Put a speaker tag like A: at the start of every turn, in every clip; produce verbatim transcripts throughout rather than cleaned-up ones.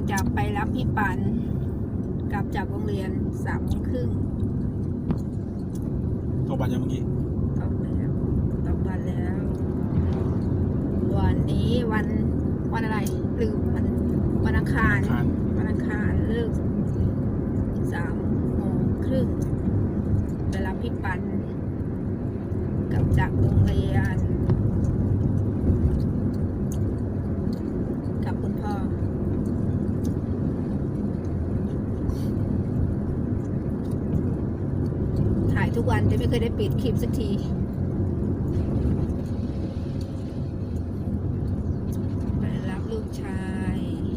A: จะไปรับพี่ปันกลับจากโรงเรียนสามโมงครึ่ง
B: ตกบัตรยังเมื่อกี้
A: ตกแล้วตกบัตรแล้ว วันนี้วันวันอะไรลืมวันวันอังคารวันอังคารเลิกสามโมงครึ่งไปรับพี่ปันกลับจากโรงเรียนกับคุณพ่อถ่ายทุกวันแต่ไม่เคยได้ปิดคลิปสักทีไปรับลูกชาย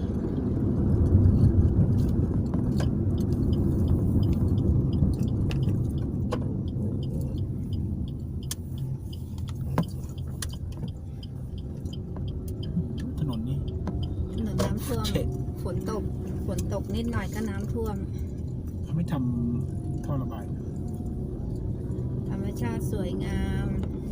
B: ถนนนี่
A: ถนนน้ำท่วมฝนตกฝนตกนิดหน่อยก็น้ำท่วม
B: เขาไม่ทำท่อระบาย
A: ธรรมชาติสวยงาม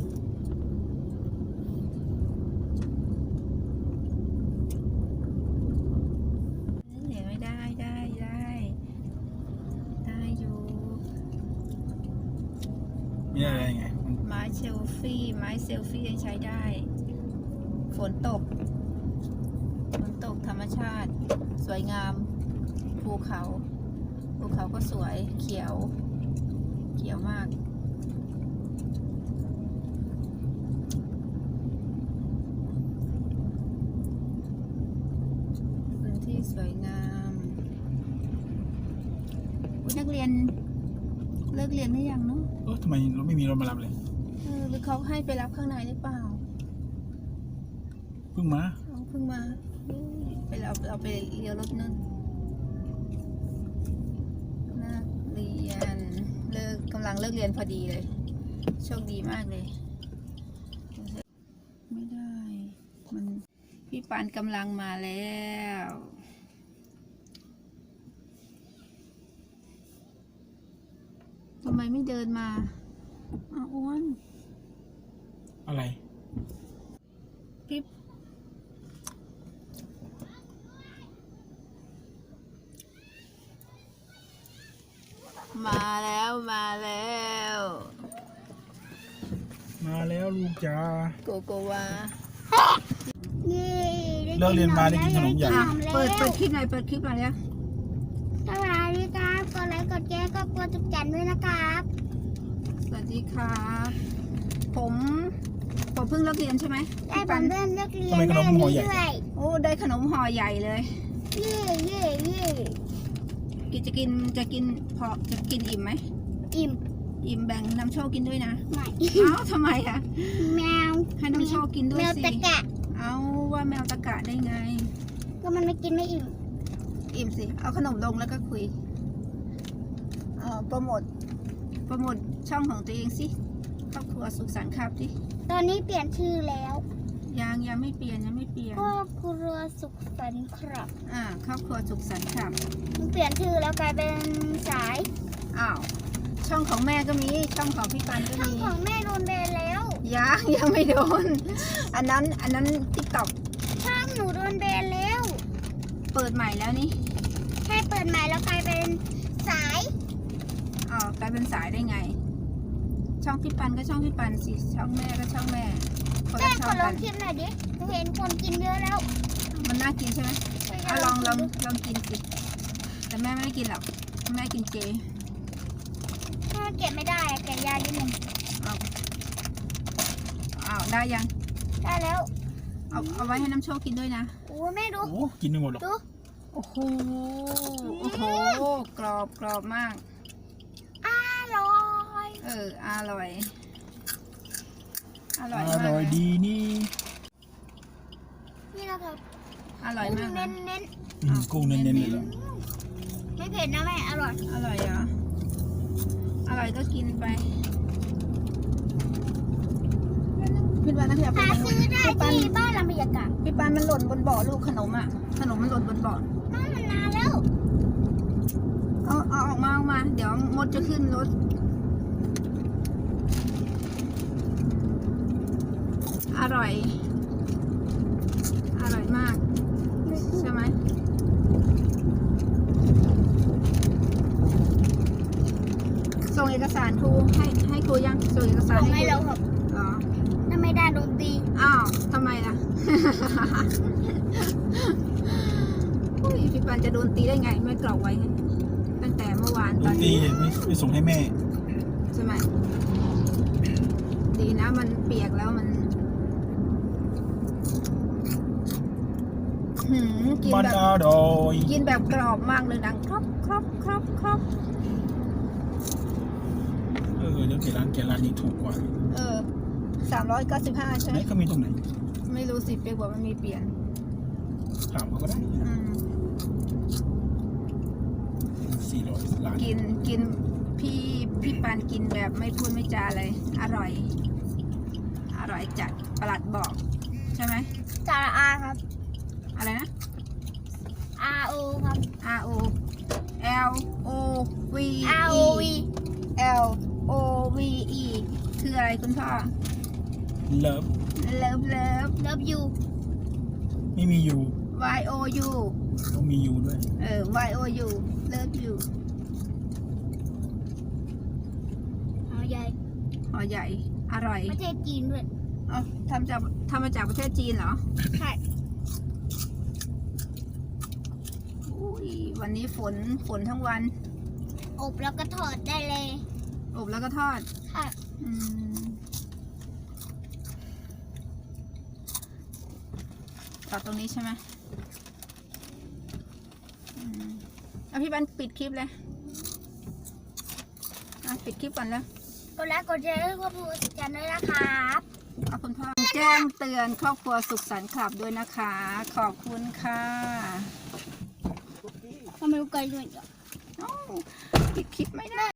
A: เหนียวไม่ได้ได้ได้ได้อยู่
B: ไม่ได้อะไรไง
A: ไม้เซลฟี่ไม้เซลฟี่ยังใช้ได้ฝนตกฝนตกธรรมชาติสวยงามภูเขาภูเขาก็สวยเขียวเขียวมากพื้นที่สวยงามนักเรียนเลิกเรียนหรือยังเนาะ
B: เออทำไมเราไม่มีรถมารับเลย
A: เออหรือเขาให้ไปรับข้างในหรือเปล่า
B: เพิ่งมา
A: เขาเพิ่งมาไปเราเราไปเลี้ยวรถนั่นนักเรียนเลิกกำลังเลิกเรียนพอดีเลยโชคดีมากเลยไม่ได้มันพี่ปานกำลังมาแล้วทำไมไม่เดินมาอ้าวอ้วน
B: อะไร
A: พี่มาแล้วมาแล้ว
B: มาแล้วลูกจ้า
A: โกโกวา
B: เลิกเรียนมาได้กินขนมใหญ่
A: เปิดเปิดคลิปหน่อยเปิดคลิปหน่อยแล้ว
C: สวัสดีครับกดไลค์กดแชร์ก็กดจุดจันด้วยนะครับ
A: สวัสดีครับผมผมเพิ่งเลิกเรียนใช่ไหม
C: ได้ผมเริ่มเลิกเรียน
B: ได้ขนมห่อใหญ่
A: โอ้ได้ขนมห่อใหญ่เลย
C: เย่เย่เย่
A: กินจะกินจะกินพอจะกินอิ่มไหม
C: อิ่ม
A: อิ่มแบ่งน้ำโชคกินด้วยนะ
C: ไม่
A: เอ้าทำไมอะ
C: แมว
A: ให้น้ำโชคกินด้วยสิแมว
C: ตะกะ
A: เอาว่าแมวตะกะได้ไง
C: ก็มันไม่กินไม่อิ่ม
A: อิ่มสิเอาขนมลงแล้วก็คุยเอ่อโปรโมทโปรโมทช่องของตัวเองสิครอบครัวสุขสันต์ครับสิ
C: ตอนนี้เปลี่ยนชื่อแล้ว
A: ยังยังไม่เปลี่ยนยังไม่เปลี่ยน
C: ครอบครัวสุขสันต์ครับ
A: อ่าครอบครัวสุขสันต์ครับ
C: มันเปลี่ยนชื่อแล้วกลายเป็นสาย
A: อ้าวช่องของแม่ก็มีช่องของพี่ปันก็มี
C: ช่องของแม่โดนแบนแล้ว
A: ยังยังไม่โดนอันนั้นอันนั้นติ๊กต็อก
C: ช่องหนูโดนแบนแล้ว
A: เปิดใหม่แล้วนี่
C: แค่เปิดใหม่แล้วกลายเป็นสาย
A: อ๋อกลายเป็นสายได้ไงช่องพี่ปันก็ช่องพี่ปันสิช่องแม่ก็ช่องแม่
C: แม่ขอลองชิมหน่อยดิเห็นคนกินเยอะแล้ว
A: มันน่ากินใช่ไหมเอาลองลองลองกินสิแต่แม่ไม่ได้กินหรอกแม่กินเจ
C: ถ้าเก็บไม่ได้แกะยาดิหนึ่ง
A: เอาเอาได้ยัง
C: ได้แล้ว
A: เอาเอาไว้ให้น้ำโชคกินด้วยนะ
C: โอ้แม่ดู
B: โอ้กินไม่หมดหรอก
A: โอ้โหโอ้โหกรอบกรอบมาก
C: อร่อย
A: เอออร่อยอร่อย
B: อร่อยดีนี่
C: นี่นะครับ
A: อร่อยมาก
C: เน้นเน้น
B: กุ้งเน้นเน้นเลยเหรอ
C: ไม่เผ็ดนะแม่อร่อย
A: อร่อยเหรออร่อยก็กินไปพี่ปานนักเรียน
C: หาซื้อได้ที่บ้านลำพญากาศ
A: พี่ปานมันหล่นบนเบาะลูกขนมอ่ะขนมมันหล่นบนเบาะ
C: มันมันนานแล้ว
A: เอาเอาออกมาออกมาเดี๋ยวมดจะขึ้นรถอร่อยอร่อยมากใช่ไหมอกสารครูให้ให้ครูยังส่งเอกสาร
C: ส่ง
A: ให้
C: ให้
A: ครู
C: เราครับ
A: อ๋อ
C: ถ้าไม่ได้โดนตี
A: อ้าวทำไมล่ะ อุ้ยพี่ปันจะโดนตีได้ไงไม่กรอกไว้ให้ตั้งแต่เมื่อวาน
B: โด
A: ตอน น
B: ตี
A: นี้
B: ไม่ไม่ส่งให้แม่
A: ใช่ไหมดีนะมันเปียกแล้วมันหืมกิน
B: มัน
A: แบบ
B: อร่อย
A: กินแบบกรอบมากเลยดังครอบครอบครอบครอบ
B: เออเดี๋ยวเกร้านเกร้านนี้ถูกกว่า
A: เออสามร้อยเก้าสิบห้าใช่ไห
B: ไห
A: ม
B: นเขามีตรงไหน
A: ไม่รู้สิเปียกบอกมันมีเปลี่ยน
B: ถามเขาก็ได้
A: อืม
B: สี่ร้อยล้าน
A: กินกินพี่พี่ปานกินแบบไม่พูดไม่จาเลย อร่อย อร่อยจัดประหลัดบอก ใช่ไหม
C: จาระอาครับ
A: อะไรนะ
C: R O ครับ
A: R O L O V
C: R O V
A: L O V E คืออะไรคุณพ่อ
B: เลิฟ
A: เลิฟเลิฟ
C: Love you
B: ไม่มียู
A: Y O U
B: ต้องมียูด้วย
A: เออ Y O U เลิฟยู
C: หอใหญ่
A: ห่อใหญ่ อร่อย
C: ประเทศจีนด้วย
A: เอาทำจากทำมาจากประเทศจีนเหรอ
C: ใช่
A: อุ้ยวันนี้ฝนฝนทั้งวัน
C: อบแล้วก็ทอดได้เลย
A: อบแล้วก็ทอด
C: ใช่
A: อืมต่อตรงนี้ใช่ไหมอืมเอาพี่บันปิดคลิปเลยอ่ะปิดคลิปก่อนแล้ว
C: กดไลค์กดแชร์ให้ครอบครัวสุขสันต์ด้วยนะครับ
A: เอาคุณพ่อแจ้งเตือนครอบครัวสุขสันต์คลับด้วยนะคะ ขอบคุณค่ะ
C: ทำไมไกลด้วย
A: เอ้าปิดคลิปไม่ได้